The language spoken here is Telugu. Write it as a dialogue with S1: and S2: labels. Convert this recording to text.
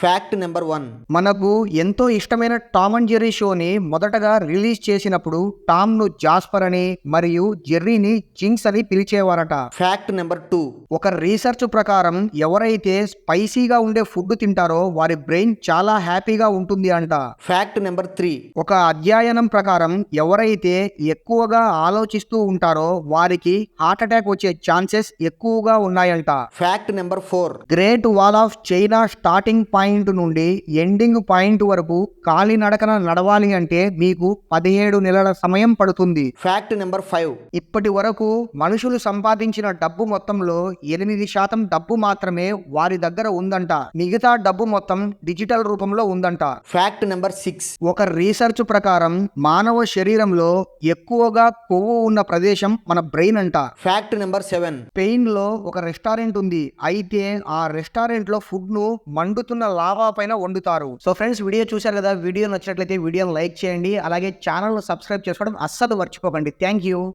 S1: Fact number 1.
S2: మనకు ఎంతో ఇష్టమైన టామ్ అండ్ జెర్రీ షోని మొదటగా రిలీజ్ చేసినప్పుడు టామ్ ను జాస్పర్ అని మరియు జెర్రీని జింక్స్ అని పిలిచేవారట.
S1: Fact number 2.
S2: ఒక రీసెర్చ్ ప్రకారం ఎవరైతే స్పైసీగా ఉండే ఫుడ్ తింటారో వారి బ్రెయిన్ చాలా హ్యాపీగా ఉంటుంది అంట.
S1: Fact number 3.
S2: ఒక అధ్యయనం ప్రకారం ఎవరైతే ఎక్కువగా ఆలోచిస్తూ ఉంటారో వారికి హార్ట్ అటాక్ వచ్చే ఛాన్సెస్ ఎక్కువగా ఉన్నాయంట.
S1: Fact number 4.
S2: Great wall of China starting point నుండి ఎండింగ్ పాయింట్ వరకు కాలినడకన నడవాలి అంటే మీకు 17 నెలల సమయం పడుతుంది.
S1: Fact number 5.
S2: ఇప్పటి వరకు మనుషులు సంపాదించిన డబ్బు మొత్తంలో 8% డబ్బు మాత్రమే వారి దగ్గర ఉందంట. మిగతా డబ్బు మొత్తం డిజిటల్ రూపంలో ఉందంట.
S1: Fact number 6.
S2: ఒక రీసెర్చ్ ప్రకారం మానవ శరీరంలో ఎక్కువగా కొవ్వు ఉన్న ప్రదేశం మన బ్రెయిన్ అంట.
S1: Fact number 7.
S2: స్పెయిన్ లో ఒక రెస్టారెంట్ ఉంది. అయితే ఆ రెస్టారెంట్ లో ఫుడ్ ను మండుతున్న లావా పైన వండుతారు. సో ఫ్రెండ్స్, వీడియో చూశారు కదా. వీడియో నచ్చినట్లయితే వీడియోని లైక్ చేయండి. అలాగే ఛానల్ ను సబ్స్క్రైబ్ చేసుకోవడం అస్సలు మర్చిపోకండి. Thank you.